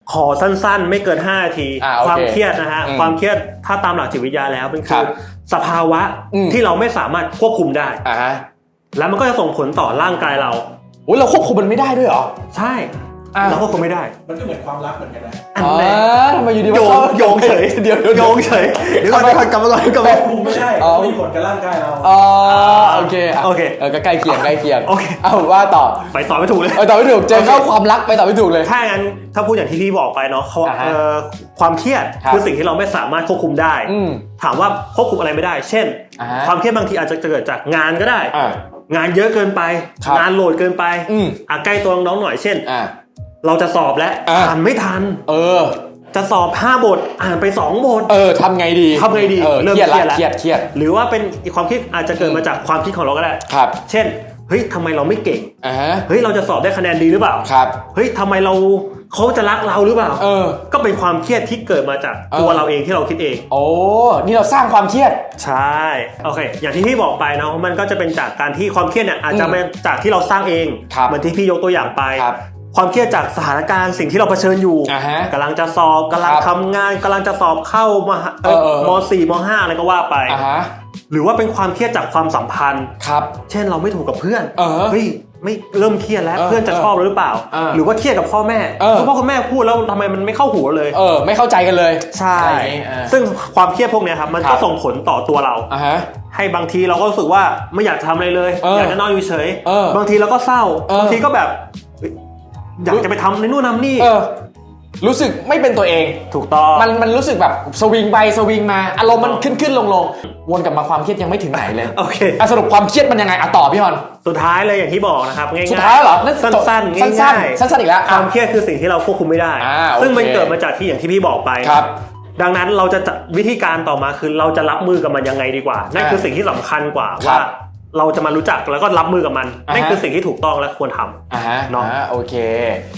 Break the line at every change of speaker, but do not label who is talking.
ขอสั้นๆไม่เกิน5 นาทีความเครียดนะฮะความเครียดถ้าตามหลักจิตวิทยาแล้วมันคือสภาวะที่เราไม่สามารถควบคุมได้แล้วมันก็จะส่งผลต่อร่างกายเรา
เราควบคุมมันไม่ได้ด้วยเหรอ
ใช่เราควบคุมไม่ได้
มันก็เหมือนความรักเหมือนกันนะ
ทำไมอยู่ดี
โยงเฉยเดี๋ยวโยงเฉยเดี๋ยวก่อนกลับมาก่อน
ควบคุมไม่ได้มีผลกับร่างกายเรา
โอเคก็ใกล้เคียงเอาว่าต่อ
ไปต่อไม่ถูกเลย
ต่อไม่ถูกเจอเข้าความรักไปต่อไม่ถูกเลย
ถ้างั้นถ้าพูดอย่างที่พี่บอกไปเนาะความเครียดคือสิ่งที่เราไม่สามารถควบคุมได้ถามว่าควบคุมอะไรไม่ได้เช่นความเครียดบางทีอาจจะเกิดจากงานก็ได้งานเยอะเกินไปงานโหลดเกินไปใกล้ตัวน้องๆหน่อยเช่นเราจะสอบแล้วอ่านไม่ทันจะสอบ5 บทอ่านไป2 บท
ทำไงดี
เริ่มเครียดแล้วหรือว่าเป็นความคิดอาจจะเกิดมาจากความคิดของเราก็ได้เช่นเฮ้ยทำไมเราไม่เก่งเฮ้ยเราจะสอบได้คะแนนดีหรือเปล่าเฮ้ยทำไมเขาจะรักเราหรือเปล่าก็เป็นความเครียดที่เกิดมาจากตัวเราเองที่เราคิดเอง
นี่เราสร้างความเครียด
ใช่โอเคอย่างที่พี่บอกไปเนาะมันก็จะเป็นจากการที่ความเครียดเนี่ยอาจจะเป็นจากที่เราสร้างเองเหมือนที่พี่ยกตัวอย่างไปความเครียดจากสถานการณ์สิ่งที่เราเผชิญอยู่กำลังจะสอบกำลังทำงานกำลังจะสอบเข้าม.4 ม.5 อะไรก็ว่าไปหรือว่าเป็นความเครียดจากความสัมพันธ์เช่นเราไม่ถูกกับเพื่อนเฮ้ยไม่เริ่มเครียดแล้วเพื่อนจะชอบหรือเปล่าหรือว่าเครียดกับพ่อแม่คุณพ่อคุณแม่พูดแล้วทำไมมันไม่เข้าหูเลย
ไม่เข้าใจกันเลย
ใช่ซึ่งความเครียดพวกนี้ครับมันก็ส่งผลต่อตัวเราให้บางทีเราก็รู้สึกว่าไม่อยากทำอะไรเลยอยากจะนอนอยู่เฉยบางทีเราก็เศร้าบางทีก็แบบอยากจะไปทำในนู่นทำนี่
รู้สึกไม่เป็นตัวเอง
ถูกต้อง
มันรู้สึกแบบสวิงไปสวิงมาอารมณ์มันขึ้นลงวนกลับมาความเครียดยังไม่ถึงไหนเลย
โอเค
สรุปความเครียดมันยังไงต่อพี่ฮอน
สุดท้ายเลยอย่างที่บอกนะครับง่ายๆ
สุดท้ายเหรอ
สั้นๆง่าย
ๆสั้นอีกแล้ว
ความเครียดคือสิ่งที่เราควบคุมไม่ได้ซึ่งมันเกิดมาจากที่อย่างที่พี่บอกไปดังนั้นเราจะวิธีการต่อมาคือเราจะรับมือกับมันยังไงดีกว่านั่นคือสิ่งที่สำคัญกว่าว่าเราจะมารู้จักแล้วก็รับมือกับมันนั่นคือสิ่งที่ถูกต้องและควรทำ
เนาะโอเค